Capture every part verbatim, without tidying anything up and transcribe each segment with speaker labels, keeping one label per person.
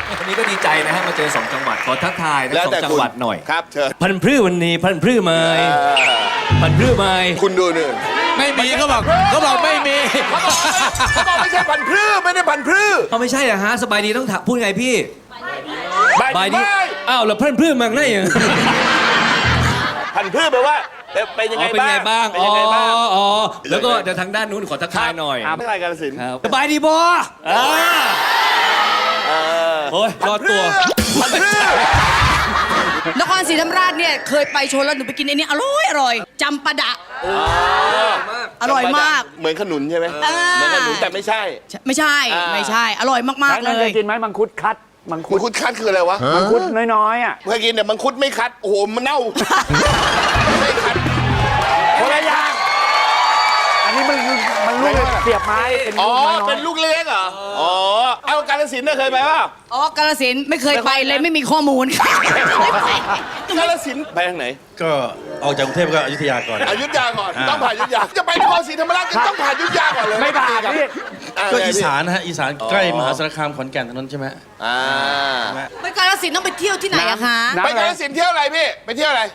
Speaker 1: วันนี้ก็ดีใจนะฮะมาเจอสองจังหวัดขอทักทายทั้งสองจังหวัดหน่อย
Speaker 2: ครับเชิญ
Speaker 1: พันธุ์พืชวันนี้พันธุ์พืชไม้พันธุ์พืชไม้
Speaker 2: คุณดูหนึ่ง
Speaker 3: ไม่มีเขาบอกเขาบอกไม่มี
Speaker 2: เขาบอกเขาบอกไม่ใช่พันธุ์พืชไม่ได้พันธุ์พืช
Speaker 1: เขาไม่ใช่เหรอฮะสบายดีต้องถามพูดไงพี่
Speaker 2: ใบดี
Speaker 1: อ้าวแล้วพันธุ์พืชมันได้ยัง
Speaker 2: พันธุ์พืชแปลว่าเป็นยัง
Speaker 1: อ๋
Speaker 2: ไง
Speaker 1: อเป็นไงบ้าง
Speaker 2: เป็น
Speaker 1: อ๋อ
Speaker 2: ยังไงบ้าง
Speaker 1: อ๋อแล้วก็จะทางด้านนู้นขอทักทายหน่อย
Speaker 2: ไม่ใช่กาฬสินธุ์
Speaker 1: ครับสบายดีบออ่า
Speaker 2: เออ
Speaker 1: โอ้ยรอดตัว
Speaker 2: พันธุ์พืช
Speaker 4: นครศรีธรรมราชเนี่ยเคยไปชนแล้วหนูไปกินไอ้นี่อร่อยอร่อยจำปาดะอร่อยมาก
Speaker 2: เหมือนขนุนใช่ไหม
Speaker 4: อ่า
Speaker 2: เหมือนขนุนแต่ไม่ใช่
Speaker 4: ไม่ใช่
Speaker 2: อ่า
Speaker 4: ไม่ใช่ อร่อยมากๆเล
Speaker 5: เค
Speaker 4: ย
Speaker 5: ยกินไหมมังคุดคัดมังคุ
Speaker 2: มั
Speaker 5: ด
Speaker 2: งคุดคัดคืออะไรวะ
Speaker 5: มังคุดน้อยๆอ่ะ
Speaker 2: เคยกินแต่มังคุดไม่คัดโอ้โหมันเน่าไม่คัด
Speaker 5: คนละอย่างอันนี้มันมันลูกเสียบไม้เป็น
Speaker 2: อ๋
Speaker 5: ลู
Speaker 2: อก
Speaker 5: น้อย
Speaker 2: เป็นลูกเล็กเหรออ๋อเอากาฬสินธุ์น่ะเคยไปป่ะ
Speaker 4: อ๋อกาฬสินธุ์ไม่เคยไปเลยไม่มีข้อมูล
Speaker 2: กาฬสินธุ์ไปทางไหน
Speaker 6: ก็ออกจากกรุงเทพก็อยุธยาก่อน
Speaker 2: อยุธยาก่อน
Speaker 6: อ่า
Speaker 2: ต้องผ่านอยุธยาจะไปนครศรีธรรมราชก็ต้องผ่านอยุธยาก่อนเลย
Speaker 5: ไม่ผ่านพี่
Speaker 2: อ่
Speaker 6: ก็
Speaker 2: ไง
Speaker 6: อี
Speaker 2: พี่
Speaker 6: สานนะฮะอีสานใกล้มหาสารคามขอนแก่นถนนใช่ไหม
Speaker 2: อ่า
Speaker 4: ไปกาฬสินธุ์ต้องไปเที่ยวที่ไหนอะคะ
Speaker 5: น้ำ
Speaker 2: ไปกาฬสินธุ์เที่ยวอะไรพี่ไปเที่ยวอะไร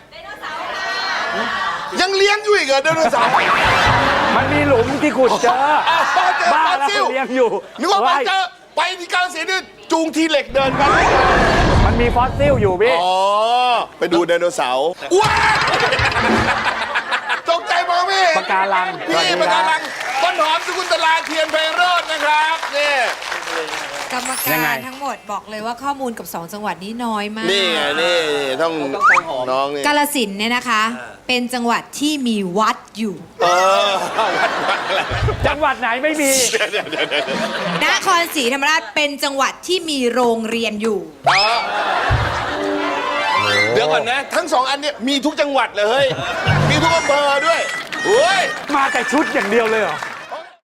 Speaker 2: ยังเลี้ยงอยู่อีกเหรอไดโนเสาร์
Speaker 5: มันมีหลุมที่ขุดเจอ
Speaker 2: อ้าวเจอ
Speaker 5: บ้า
Speaker 2: ฟอส
Speaker 5: แล้ว
Speaker 2: ซิล
Speaker 5: เลี้ยงอยู่
Speaker 2: นึกว่าไป
Speaker 5: เฮ้ย
Speaker 2: เจอไปที่กาฬสินธุ์นี่จูงทีเหล็กเดินกัน
Speaker 5: มันมีฟอสซิลอยู่พี่
Speaker 2: อ๋อไปดูไดโนเสาร์ว้าตกใจมองพี่
Speaker 5: ปะการังสวัส
Speaker 2: พี่
Speaker 5: ดี
Speaker 2: ปะ
Speaker 5: ค
Speaker 2: การั
Speaker 5: รั
Speaker 2: ง
Speaker 5: บ
Speaker 2: ต้นหอมสกุลตลาเทียนไพโรจน์นะครับนี่
Speaker 7: กรรม
Speaker 5: ยังไง
Speaker 7: การทั้งหมดบอกเลยว่าข้อมูลกับสองจังหวัดนี้น้อยมาก
Speaker 2: นี่ไงนี่ต้องน้องนี่
Speaker 7: กาฬสินธุ์เนี่ยนะคะ เป็นจังหวัดที่มีวัดอยู่
Speaker 2: เออวัดวัดอะไร
Speaker 5: จังหวัดไหนไม่มี
Speaker 2: เดี๋ยวเดี๋ยวเดี๋ยวเดี๋ยวน
Speaker 7: ครศรีธรรมราชเป็นจังหวัดที่มีโรงเรียนอยู่
Speaker 2: อ๋อเดี๋ยวก่อนนะ ทั้งสองอันเนี่ยมีทุกจังหวัดเลยเฮ้ยมีทุกอำเภอด้วยโอ้ย
Speaker 5: มาแต่ชุดอย่างเดียวเลยเหรอ